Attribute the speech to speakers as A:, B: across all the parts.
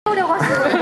A: 오려고 하시는
B: 네.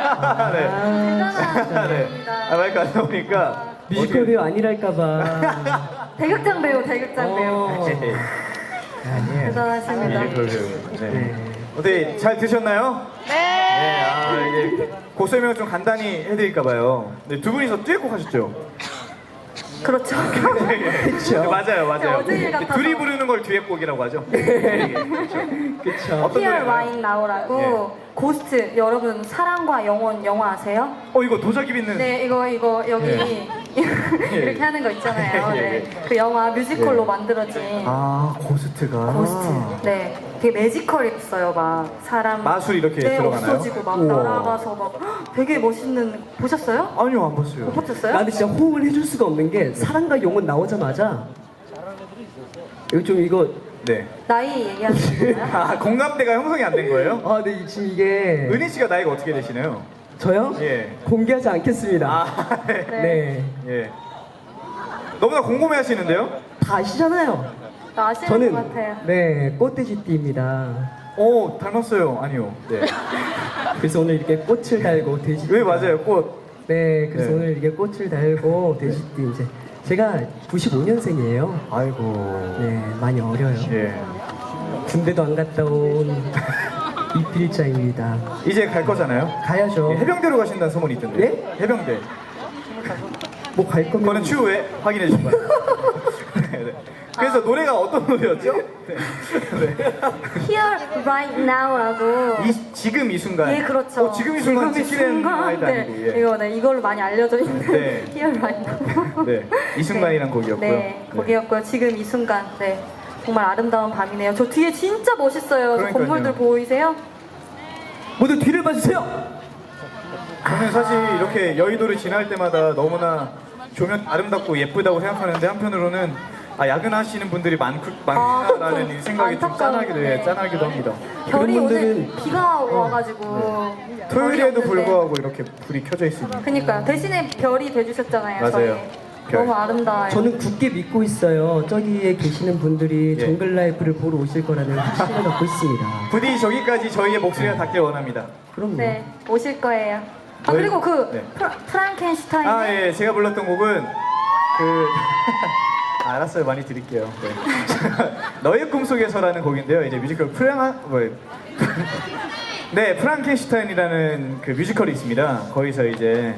A: 대단한
B: 네. 아, 마이크 안 나오니까
C: 뮤지컬 배우 아니랄까봐.
A: 대극장 배우, 대극장 배우.
B: 아니에요.
A: 대단하십니다.
B: 뮤지컬 배우. 네. 어떻게 잘 드셨나요? 네. 아, 이제 곡 설명을 좀 간단히 해드릴까봐요. 네, 두 분이서 듀엣곡 하셨죠?
A: 그렇죠.
B: 그렇죠. 맞아요, 맞아요.
A: 어제 일 같아서.
B: 둘이 부르는 걸 듀엣곡이라고 하죠. 그렇죠. 어떤
A: Here
B: 노래가요?
A: Right Now라고 고스트. 여러분 사랑과 영혼 영화 아세요?
B: 이거 도자기 빚는.
A: 네, 이거 여기
B: 예.
A: 이렇게 하는 거 있잖아요.
B: 예, 예,
A: 네.
B: 예.
A: 그 영화 뮤지컬로
B: 예.
A: 만들어진
B: 아, 고스트가.
A: 고스트. 네, 되게 매지컬했어요. 막 사람
B: 마술 이렇게
A: 네,
B: 들어가나요?
A: 없어지고 막
B: 우와.
A: 날아가서 막 헉, 되게 멋있는. 보셨어요?
B: 아니요, 안 봤어요.
A: 못 보셨어요?
C: 나 근데 진짜 호응을 해줄 수가 없는 게 사랑과 영혼 나오자마자 이거
B: 네.
A: 나이 얘기하시는 거예요?
B: 아, 공감대가 형성이 안 된 거예요?
C: 네 지금 이게
B: 은희 씨가 나이가 어떻게 되시나요?
C: 저요?
B: 예.
C: 공개하지 않겠습니다.
B: 아, 네.
C: 네.
B: 예. 너무나 궁금해 하시는데요?
C: 다 아시잖아요.
A: 나 아시는
C: 저는
A: 것 같아요.
C: 네 꽃돼지띠입니다.
B: 오, 닮았어요. 아니요. 네.
C: 그래서 오늘 이렇게 꽃을 달고 돼지.
B: 왜 맞아요? 꽃.
C: 네, 그래서
B: 네.
C: 오늘 이렇게 꽃을 달고 돼지띠 이제 제가 95년생이에요.
B: 아이고.
C: 네, 많이 어려요.
B: 예.
C: 군대도 안 갔다 온 이필자입니다.
B: 이제 갈 거잖아요?
C: 가야죠.
B: 예, 해병대로 가신다는 소문이 있던데.
C: 네?
B: 해병대.
C: 뭐 갈 거면
B: 그거는 추후에 확인해 주시기 바랍니다. 네, 네. 그래서 노래가 어떤 노래였죠? 네. 네.
A: Here Right Now라고.
B: 지금 이 순간.
A: 예, 그렇죠.
B: 지금 이 순간
A: 지금 이
B: 지키는
A: 순간.
B: 아이도
A: 네,
B: 아니고. 예.
A: 이거 이걸로 많이 알려져 있는
B: 네.
A: Here Right Now.
B: 네. 이 순간이란 곡이었고요.
A: 네, 곡이었고요. 지금 이 순간. 네. 정말 아름다운 밤이네요. 저 뒤에 진짜 멋있어요. 저
B: 그러니까요.
A: 건물들 보이세요?
C: 모두 뒤를 봐주세요.
B: 저는 사실 이렇게 여의도를 지날 때마다 너무나 조명 아름답고 예쁘다고 생각하는데 한편으로는 야근하시는 분들이 많구나라는
A: 그렇죠.
B: 생각이 좀
A: 안타까운데.
B: 짠하기도 합니다.
A: 별이
C: 그런
A: 오늘
C: 분들은-
A: 비가 와가지고
B: 토요일에도
A: 별이 없는데.
B: 불구하고 이렇게 불이 켜져 있습니다.
A: 그니까요. 대신에 별이 돼주셨잖아요.
B: 맞아요.
A: 저희.
B: 별.
A: 너무 아름다워요.
C: 저는 굳게 믿고 있어요. 저기에 계시는 분들이
B: 예.
C: 정글 라이프를 보러 오실 거라는 확신을 갖고 있습니다.
B: 부디 저기까지 저희의 목소리가 닿길 원합니다.
C: 그럼요.
A: 네, 오실 거예요.
B: 저희-
A: 그리고 그
B: 네.
A: 프랑켄슈타인.
B: 예, 제가 불렀던 곡은 알았어요, 많이 드릴게요. 네. 너의 꿈속에서라는 곡인데요. 이제 뮤지컬 네, 프랑켄슈타인이라는 그 뮤지컬이 있습니다. 거기서 이제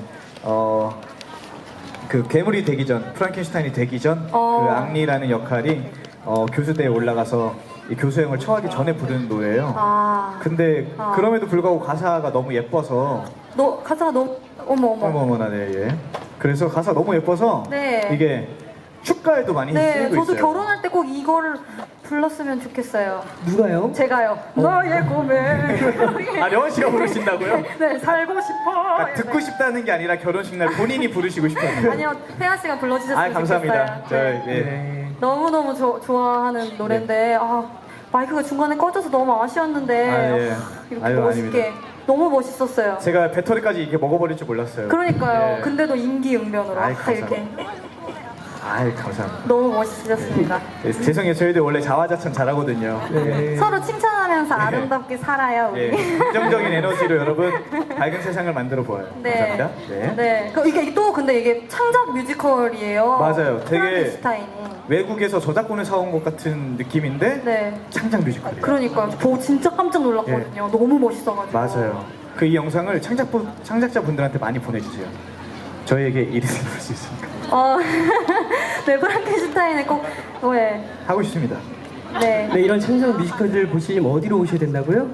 B: 그 괴물이 되기 전, 프랑켄슈타인이 되기 전 그 앙리라는 역할이 교수대에 올라가서 이 교수형을 처하기 전에 부르는 노래예요. 근데 그럼에도 불구하고 가사가 너무 예뻐서
A: 가사가 너무
B: 어머나 네, 예. 그래서 가사가 너무 예뻐서
A: 네.
B: 이게 축가에도 많이
A: 네,
B: 쓰이고
A: 저도
B: 있어요.
A: 결혼할 때 꼭 이거를 불렀으면 좋겠어요.
C: 누가요?
A: 제가요. 너의 꿈에.
B: 려원 씨가 부르신다고요?
A: 네, 살고 싶어.
B: 듣고 싶다는 게 아니라 결혼식 날 본인이 부르시고 싶어요.
A: 아니요, 태아 씨가 불러주셨으면
B: 감사합니다.
A: 좋겠어요.
B: 저,
A: 네.
B: 예.
C: 네.
A: 너무너무 좋아하는 노래인데 마이크가 중간에 꺼져서 너무 아쉬웠는데
B: 예.
A: 이렇게
B: 아유,
A: 멋있게
B: 아닙니다.
A: 너무 멋있었어요.
B: 제가 배터리까지 이렇게 먹어버릴 줄 몰랐어요.
A: 그러니까요.
B: 예.
A: 근데도 임기응변으로
B: 아이,
A: 이렇게
B: 감사합니다.
A: 너무 멋있으셨습니다.
B: 네, 죄송해요. 저희들 원래 자화자찬 잘하거든요.
C: 네.
A: 서로 칭찬하면서 아름답게 살아요, 우리.
B: 예. 긍정적인 에너지로 여러분 밝은 세상을 만들어 보아요.
A: 네.
B: 감사합니다. 네.
A: 네. 이게 또 근데 이게 창작 뮤지컬이에요.
B: 맞아요. 되게
A: 프랑켄슈타인이.
B: 외국에서 저작권을 사온 것 같은 느낌인데
A: 네.
B: 창작 뮤지컬이에요.
A: 그러니까 저 진짜 깜짝 놀랐거든요. 너무 멋있어가지고.
B: 맞아요. 그 이 영상을 창작자분들한테 많이 보내주세요. 저희에게 일이 생길 수 있으니까.
A: 네, 프랑켄슈타인은 꼭, 네.
B: 하고 싶습니다.
A: 네.
C: 네, 이런 창작 뮤지컬들 보시려면 어디로 오셔야 된다고요?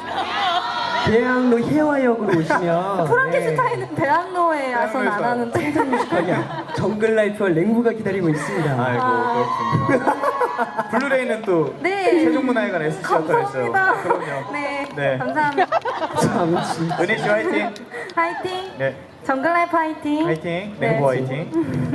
C: 대학로 해화역으로 오시면
A: 프랑켄슈타인은 대학로에서는 안 하는데.
C: 아니야, 정글 라이프와 랭부가 기다리고 있습니다.
B: 아이고 그렇군요. 블루레이는 또
A: 네.
B: 세종문화회관 SC가 또 있어요.
A: 감사합니다.
B: 그럼요.
A: 네.
B: 네.
A: 감사합니다.
C: 참 진짜.
B: 은희 씨 화이팅.
A: 화이팅.
B: 네.
A: 정글라이프 화이팅.
B: 화이팅.
A: 네.
B: 랭보 화이팅.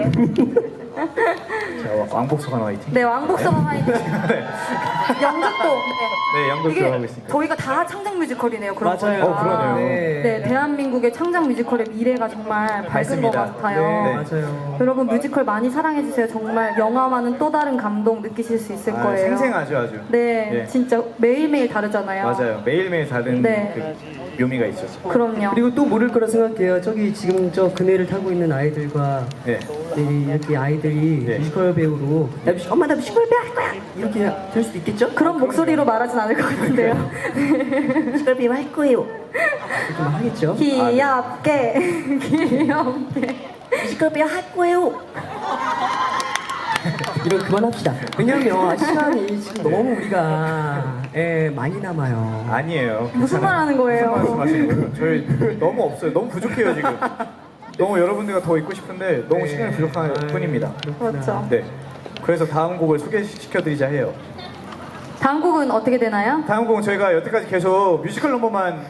B: 자, 왕복소관 화이팅.
A: 네, 왕복서가 화이팅.
B: 네.
A: 연극도.
B: 네, 연극
A: 이게
B: 들어가고 있습니다.
A: 저희가 다 창작 뮤지컬이네요. 그런
C: 맞아요.
A: 거니까.
B: 그러네요.
A: 네, 대한민국의 창작 뮤지컬의 미래가 정말 밝은 것
B: 맞습니다.
A: 같아요.
C: 네,
B: 네.
C: 맞아요.
A: 여러분 뮤지컬 많이 사랑해주세요. 정말 영화와는 또 다른 감동 느끼실 수 있을 거예요.
B: 생생하죠 아주.
A: 네,
B: 네.
A: 진짜 매일매일 다르잖아요.
B: 맞아요. 매일매일 다른
A: 네.
B: 그 묘미가 있죠.
A: 그럼요.
C: 그리고 또 모를 거라 생각해요. 저기 지금 저 그네를 타고 있는 아이들과
B: 네.
C: 이렇게 아이들이
B: 네.
C: 뮤지컬 배우로 엄마 나 뮤지컬 배우 할 거야 이렇게 될 수도 있겠죠?
A: 그런 목소리로 말하진 않을 것 같은데요.
C: 뮤지컬 배우 할 거예요. 이렇게 막 하겠죠?
A: 귀엽게, 귀엽게.
C: 뮤지컬 배우 할 거예요. 이런 그만합시다. 왜냐면 시간이 지금 너무 우리가 많이 남아요.
B: 아니에요.
A: 무슨 말 하는 거예요?
B: 무슨 말씀하시는 거예요? 저희 너무 없어요. 너무 부족해요 지금. 너무 여러분들과 더 있고 싶은데 너무 시간이 부족할 뿐입니다.
A: 그렇죠.
B: 네. 그래서 다음 곡을 소개시켜드리자 해요.
A: 다음 곡은 어떻게 되나요?
B: 다음 곡은 저희가 여태까지 계속 뮤지컬 넘버만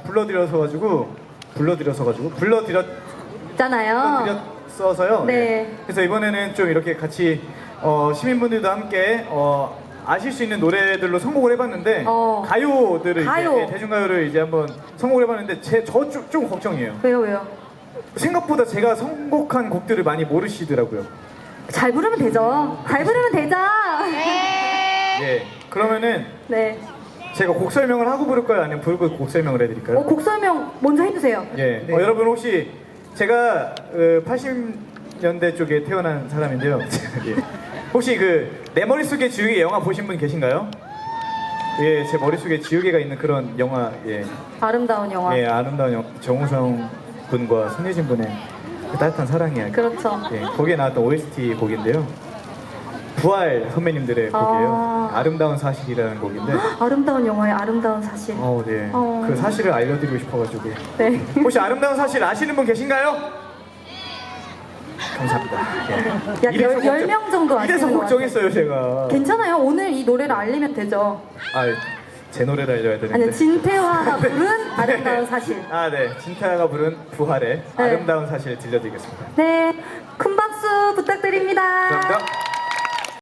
A: 있잖아요.
B: 불러드렸어서요.
A: 네.
B: 그래서 이번에는 좀 이렇게 같이 시민분들도 함께 아실 수 있는 노래들로 선곡을 해봤는데 가요들을
A: 가요.
B: 이제 대중가요를 이제 한번 선곡을 해봤는데 저 좀 걱정이에요.
A: 왜요?
B: 생각보다 제가 선곡한 곡들을 많이 모르시더라고요.
A: 잘 부르면 되죠. 잘 부르면 되죠.
B: 예. 그러면은
A: 네.
B: 제가 곡 설명을 하고 부를까요? 아니면 부르고 곡 설명을 해드릴까요?
A: 곡 설명 먼저 해주세요.
B: 예.
C: 네.
B: 여러분 혹시 제가 80년대 쪽에 태어난 사람인데요. 예. 혹시 내 머릿속에 지우개 영화 보신 분 계신가요? 예, 제 머릿속에 지우개가 있는 그런 영화, 예.
A: 아름다운 영화.
B: 예, 아름다운 영화. 정우성 분과 손예진 분의 그 따뜻한 사랑 이야기.
A: 그렇죠.
B: 예, 거기에 나왔던 OST 곡인데요. 부활 선배님들의 곡이에요. 아름다운 사실이라는 곡인데.
A: 아름다운 영화의 아름다운 사실.
B: 네. 그 사실을 알려드리고 싶어가지고.
A: 네.
B: 혹시 아름다운 사실 아시는 분 계신가요? 감사합니다. 예.
A: 약 10명 정도
B: 이래서
A: 아시는 것
B: 걱정했어요, 제가.
A: 괜찮아요. 오늘 이 노래를 알리면 되죠.
B: 제 노래를 알려야 되는데.
A: 아니, 진태화가 부른 아름다운 사실.
B: 네. 진태아가 부른 부활의 아름다운 사실 들려드리겠습니다.
A: 네. 큰